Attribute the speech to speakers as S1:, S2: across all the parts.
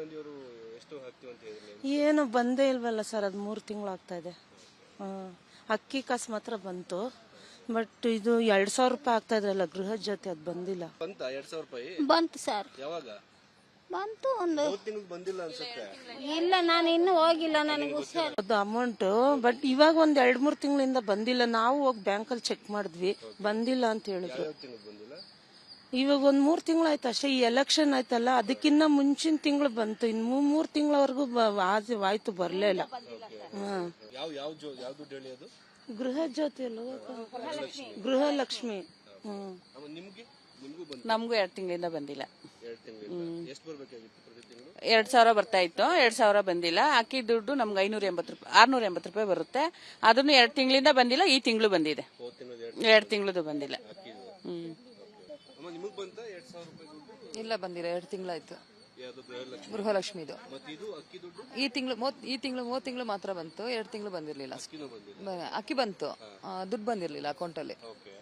S1: ಗಾಂಧಿ ಅವರು ಎಷ್ಟು ಹಾಕ್ತೀವಿ ಅಂತ ಹೇಳಿದ್ರು?
S2: ಏನು ಬಂದೇ ಇಲ್ವಲ್ಲ ಸರ್, ಅದು 3 ತಿಂಗಳಾಗ್ತಾ ಇದೆ. ಅಕ್ಕಿ ಕಾಸು ಮಾತ್ರ ಬಂತು, ಬಟ್ ಇದು 2000 ರೂಪಾಯಿ ಆಗ್ತಾ ಇದ್ರಲ್ಲ ಗೃಹ ಜೊತೆ, ಅದು ಬಂದಿಲ್ಲ.
S1: ಬಂತ 2000 ರೂಪಾಯಿ?
S3: ಬಂತು ಸರ್.
S1: ಯಾವಾಗ
S3: ಬಂತು? ಒಂದು
S1: 3 ತಿಂಗಳು ಬಂದಿಲ್ಲ ಅನ್ಸುತ್ತೆ.
S3: ಇಲ್ಲ, ನಾನು ಇನ್ನೂ ಹೋಗಿಲ್ಲ, ನನಗೆ ಹುಷಾರ್.
S2: ಅದು ಅಮೌಂಟ್ ಬಟ್ ಇವಾಗ ಒಂದ್ 2-3 ತಿಂಗಳಿಂದ ಬಂದಿಲ್ಲ. ನಾವು ಹೋಗಿ ಬ್ಯಾಂಕಲ್ಲಿ ಚೆಕ್ ಮಾಡಿದ್ವಿ, ಬಂದಿಲ್ಲ ಅಂತ ಹೇಳಿದ್ರು.
S1: ಬಂದಿಲ್ಲ.
S2: ಇವಾಗ ಒಂದ್ 3 ತಿಂಗಳಾಯ್ತು ಅಷ್ಟೇ. ಈ ಎಲೆಕ್ಷನ್ ಆಯ್ತಲ್ಲ, ಅದಕ್ಕಿನ್ನ ಮುಂಚಿನ ತಿಂಗಳು ಬಂತು. ಇನ್ನು 3 ತಿಂಗಳವರೆಗೂ ಆಯ್ತು, ಬರ್ಲೇ ಇಲ್ಲ.
S1: ಯಾವ್ದು ಹೇಳಿ ಅದು?
S2: ಗೃಹ ಜ್ಯೋತಿ ಅಲ್ಲ, ಗೃಹಲಕ್ಷ್ಮಿ.
S4: ನಮಗೂ 2 ತಿಂಗಳಿಂದ ಬಂದಿಲ್ಲ.
S1: 2 ತಿಂಗಳಿಂದ ಎಷ್ಟು ಬರ್ಬೇಕಾಗಿತ್ತು? ಪ್ರತಿ ತಿಂಗಳು
S4: 2000 ಬರ್ತಾ ಇತ್ತು, 2000 ಬಂದಿಲ್ಲ. ಅಕ್ಕಿ ದುಡ್ಡು ನಮ್ಗೆ 680 ರೂಪಾಯಿ ಬರುತ್ತೆ. ಅದನ್ನು 2 ತಿಂಗಳಿಂದ ಬಂದಿಲ್ಲ, ಈ ತಿಂಗಳು ಬಂದಿದೆ. 2 ತಿಂಗಳದು ಬಂದಿಲ್ಲ.
S1: ನಿಮಗ್ ಬಂತ 2000 ರೂಪಾಯಿ ದುಡ್ಡು?
S4: ಇಲ್ಲ, ಬಂದಿಲ್ಲ. 2 ತಿಂಗಳಾಯ್ತು.
S1: ಗೃಹಲಕ್ಷ್ಮಿದು.
S4: ಈ ತಿಂಗಳು 3 ತಿಂಗಳು ಮಾತ್ರ ಬಂತು, 2 ತಿಂಗಳು ಬಂದಿರ್ಲಿಲ್ಲ. ಅಕ್ಕಿ ಬಂತು, ದುಡ್ಡು ಬಂದಿರ್ಲಿಲ್ಲ ಅಕೌಂಟಲ್ಲಿ.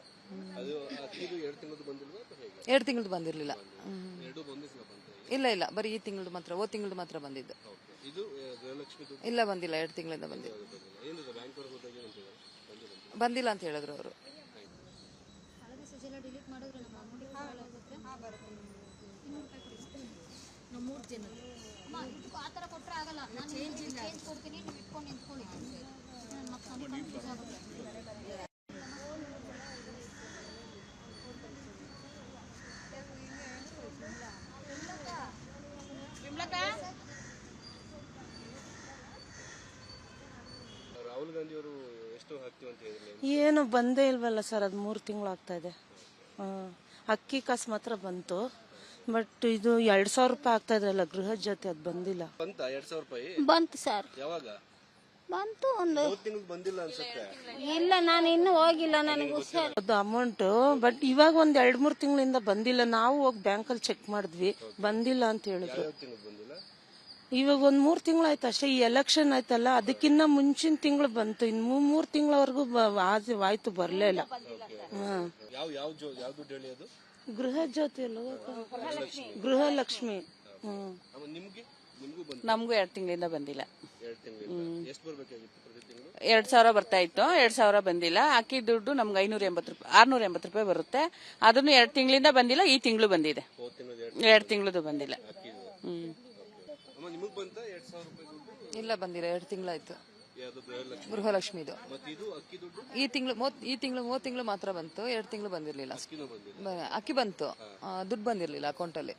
S4: 2 ತಿಂಗಳದು ಬಂದಿರ್ಲಿಲ್ಲ. ಇಲ್ಲ ಇಲ್ಲ, ಬರೀ ಈ ತಿಂಗಳು ಮಾತ್ರ, ತಿಂಗಳು ಮಾತ್ರ ಬಂದಿದ್ದು. ಇಲ್ಲ, ಬಂದಿಲ್ಲ. 2 ತಿಂಗಳಿಂದ ಬಂದಿಲ್ಲ. ಬಂದಿಲ್ಲ ಅಂತ ಹೇಳಿದ್ರು ಅವರು.
S1: ರಾಹುಲ್ ಗಾಂಧಿ ಅವರು ಎಷ್ಟು ಹಾಕ್ತೀವಿ ಅಂತ ಹೇಳಿದ್ರು?
S2: ಏನು ಬಂದೇ ಇಲ್ವಲ್ಲ ಸರ್, ಅದು 3 ತಿಂಗಳಾಗ್ತಾ ಇದೆ. ಅಕ್ಕಿ ಕಾಸು ಮಾತ್ರ ಬಂತು, ಬಟ್ ಇದು 2000 ರೂಪಾಯಿ ಆಗ್ತಾ ಇದ್ರಲ್ಲ ಗೃಹ ಜೊತೆ, ಅದು ಬಂದಿಲ್ಲ.
S1: ಬಂತ 2000 ರೂಪಾಯಿ?
S3: ಬಂತು ಸರ್.
S1: ಯಾವಾಗ
S3: ಬಂತು? ಒಂದು
S1: 3 ತಿಂಗಳು ಬಂದಿಲ್ಲ ಅನ್ಸುತ್ತೆ.
S3: ಇಲ್ಲ, ನಾನು ಇನ್ನೂ ಹೋಗಿಲ್ಲ, ನನಗೆ ಹುಷಾರ್.
S2: ಅದು ಅಮೌಂಟ್ ಬಟ್ ಇವಾಗ ಒಂದ್ 2-3 ತಿಂಗಳಿಂದ ಬಂದಿಲ್ಲ. ನಾವು ಹೋಗಿ ಬ್ಯಾಂಕಲ್ಲಿ ಚೆಕ್ ಮಾಡಿದ್ವಿ, ಬಂದಿಲ್ಲ ಅಂತ ಹೇಳಿದ್ರು.
S1: ಬಂದಿಲ್ಲ.
S2: ಇವಾಗ ಒಂದ್ 3 ತಿಂಗಳಾಯ್ತು ಅಷ್ಟೇ. ಈ ಎಲೆಕ್ಷನ್ ಆಯ್ತಲ್ಲ, ಅದಕ್ಕಿನ್ನ ಮುಂಚಿನ ತಿಂಗಳು ಬಂತು. ಇನ್ನು 3 ತಿಂಗಳವರೆಗೂ ಆಯ್ತು, ಬರ್ಲೇ ಇಲ್ಲ.
S1: ಯಾವ್ದು ಹೇಳಿ ಅದು?
S2: ಗೃಹ ಜ್ಯೋತಿ ಅಲ್ಲ, ಗೃಹಲಕ್ಷ್ಮಿ.
S4: ನಮಗೂ 2 ತಿಂಗಳಿಂದ ಬಂದಿಲ್ಲ.
S1: 2 ತಿಂಗಳಿಂದ ಎಷ್ಟು ಬರ್ಬೇಕಾಗಿತ್ತು? ಪ್ರತಿ ತಿಂಗಳು
S4: 2000 ಬರ್ತಾ ಇತ್ತು, 2000 ಬಂದಿಲ್ಲ. ಅಕ್ಕಿ ದುಡ್ಡು ನಮ್ಗೆ 680 ರೂಪಾಯಿ ಬರುತ್ತೆ. ಅದನ್ನು 2 ತಿಂಗಳಿಂದ ಬಂದಿಲ್ಲ, ಈ ತಿಂಗಳು ಬಂದಿದೆ. 2 ತಿಂಗಳದು ಬಂದಿಲ್ಲ.
S1: ನಿಮಗ್ ಬಂತ 2000 ರೂಪಾಯಿ ದುಡ್ಡು?
S4: ಇಲ್ಲ, ಬಂದಿಲ್ಲ. 2 ತಿಂಗಳಾಯ್ತು. ಗೃಹಲಕ್ಷ್ಮಿದು. ಈ ತಿಂಗಳು 3 ತಿಂಗಳು ಮಾತ್ರ ಬಂತು, 2 ತಿಂಗಳು ಬಂದಿರ್ಲಿಲ್ಲ. ಅಕ್ಕಿ ಬಂತು, ದುಡ್ಡು ಬಂದಿರ್ಲಿಲ್ಲ ಅಕೌಂಟಲ್ಲಿ.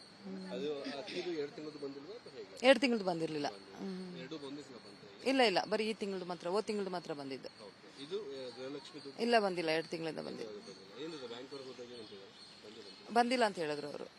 S4: 2 ತಿಂಗಳದು ಬಂದಿರ್ಲಿಲ್ಲ. ಇಲ್ಲ ಇಲ್ಲ, ಬರೀ ಈ ತಿಂಗಳು ಮಾತ್ರ ಬಂದಿದ್ದು. ಇಲ್ಲ, ಬಂದಿಲ್ಲ. 2 ತಿಂಗಳಿಂದ ಬಂದಿದ್ದು. ಬಂದಿಲ್ಲ ಅಂತ ಹೇಳಿದ್ರು ಅವರು.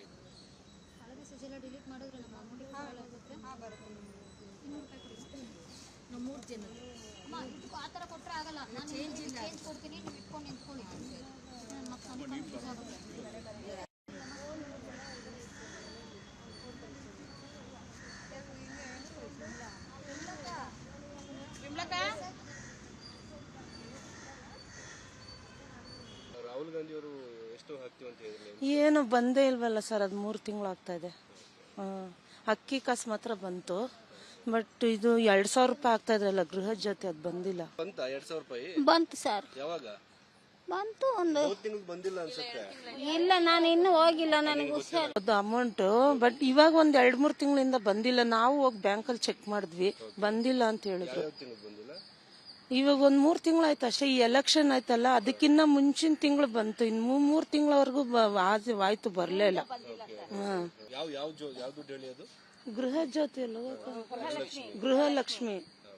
S1: ರಾಹುಲ್ ಗಾಂಧಿ ಅವರು ಎಷ್ಟು ಹಾಕ್ತೀವಿ ಅಂತ ಹೇಳಿದ್ರು?
S2: ಏನು ಬಂದೇ ಇಲ್ವಲ್ಲ ಸರ್, ಅದು 3 ತಿಂಗಳಾಗ್ತಾ ಇದೆ. ಅಕ್ಕಿ ಕಾಸು ಮಾತ್ರ ಬಂತು, ಬಟ್ ಇದು 2000 ರೂಪಾಯಿ ಆಗ್ತಾ ಇದ್ರಲ್ಲ ಗೃಹ ಜೊತೆ, ಅದು ಬಂದಿಲ್ಲ.
S1: ಬಂತ 2000 ರೂಪಾಯಿ?
S3: ಬಂತು ಸರ್.
S1: ಯಾವಾಗ
S3: ಬಂತು? ಒಂದು
S1: 3 ತಿಂಗಳು ಬಂದಿಲ್ಲ ಅನ್ಸುತ್ತೆ.
S3: ಇಲ್ಲ, ನಾನು ಇನ್ನೂ ಹೋಗಿಲ್ಲ, ನನಗೆ ಹುಷಾರ್.
S2: ಅದು ಅಮೌಂಟ್ ಬಟ್ ಇವಾಗ ಒಂದ್ 2-3 ತಿಂಗಳಿಂದ ಬಂದಿಲ್ಲ. ನಾವು ಹೋಗಿ ಬ್ಯಾಂಕಲ್ಲಿ ಚೆಕ್ ಮಾಡಿದ್ವಿ, ಬಂದಿಲ್ಲ ಅಂತ ಹೇಳಿದ್ರು.
S1: ಬಂದಿಲ್ಲ.
S2: ಇವಾಗ ಒಂದ್ 3 ತಿಂಗಳಾಯ್ತು ಅಷ್ಟೇ. ಈ ಎಲೆಕ್ಷನ್ ಆಯ್ತಲ್ಲ, ಅದಕ್ಕಿನ್ನ ಮುಂಚಿನ ತಿಂಗಳು ಬಂತು. ಇನ್ನು 3 ತಿಂಗಳವರೆಗೂ ಆಯ್ತು, ಬರ್ಲೇ ಇಲ್ಲ.
S1: ಯಾವ್ದು ಹೇಳಿ ಅದು?
S2: ಗೃಹ ಜ್ಯೋತಿ ಅಲ್ಲ, ಗೃಹಲಕ್ಷ್ಮಿ.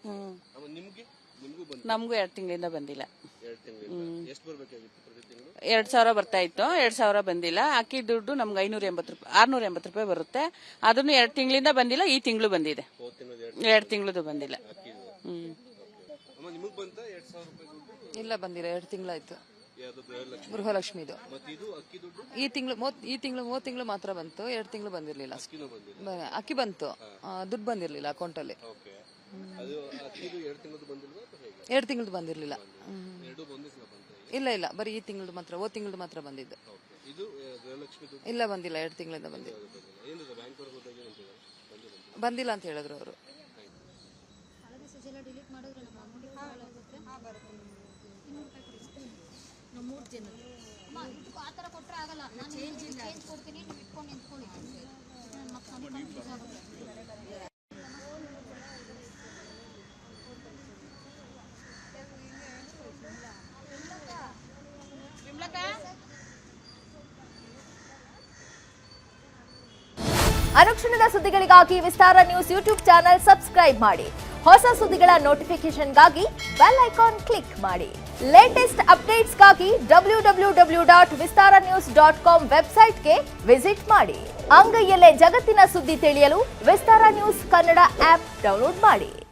S4: ನಮಗೂ 2 ತಿಂಗಳಿಂದ ಬಂದಿಲ್ಲ.
S1: 2 ತಿಂಗಳಿಂದ ಎಷ್ಟು ಬರ್ಬೇಕಾಗಿತ್ತು? ಪ್ರತಿ ತಿಂಗಳು
S4: 2000 ಬರ್ತಾ ಇತ್ತು, 2000 ಬಂದಿಲ್ಲ. ಅಕ್ಕಿ ದುಡ್ಡು ನಮ್ಗೆ 680 ರೂಪಾಯಿ ಬರುತ್ತೆ. ಅದನ್ನು 2 ತಿಂಗಳಿಂದ ಬಂದಿಲ್ಲ, ಈ ತಿಂಗಳು ಬಂದಿದೆ. 2 ತಿಂಗಳದು ಬಂದಿಲ್ಲ.
S1: ನಿಮಗ್ ಬಂತ 2000 ರೂಪಾಯಿ ದುಡ್ಡು?
S4: ಇಲ್ಲ, ಬಂದಿಲ್ಲ. 2 ತಿಂಗಳಾಯ್ತು. ಗೃಹಲಕ್ಷ್ಮಿದು. ಈ ತಿಂಗಳು 3 ತಿಂಗಳು ಮಾತ್ರ ಬಂತು, 2 ತಿಂಗಳು ಬಂದಿರ್ಲಿಲ್ಲ. ಅಕ್ಕಿ ಬಂತು, ದುಡ್ಡು ಬಂದಿರ್ಲಿಲ್ಲ ಅಕೌಂಟಲ್ಲಿ. 2 ತಿಂಗಳದು ಬಂದಿರ್ಲಿಲ್ಲ. ಇಲ್ಲ ಇಲ್ಲ, ಬರೀ ಈ ತಿಂಗಳು ಮಾತ್ರ ಬಂದಿದ್ದು. ಇಲ್ಲ, ಬಂದಿಲ್ಲ. 2 ತಿಂಗಳಿಂದ ಬಂದಿದ್ದು. ಬಂದಿಲ್ಲ ಅಂತ ಹೇಳಿದ್ರು ಅವರು.
S5: ಅನುಕ್ಷಣದ ಸುದ್ದಿಗಳಿಗಾಗಿ Vistara news YouTube channel subscribe ಮಾಡಿ. ಹೊಸ ಸುದ್ದಿಗಳ ನೋಟಿಫಿಕೇಶನ್ಗಾಗಿ ಬೆಲ್ ಐಕಾನ್ ಕ್ಲಿಕ್ ಮಾಡಿ. ಲೇಟೆಸ್ಟ್ ಅಪ್ಡೇಟ್ಸ್ಗಾಗಿ www.vistaranews.com ವೆಬ್ಸೈಟ್ಗೆ ವಿಸಿಟ್ ಮಾಡಿ. ಅಂಗೈಯಲ್ಲೇ ಜಗತ್ತಿನ ಸುದ್ದಿ ತಿಳಿಯಲು Vistara news Kannada app download ಮಾಡಿ.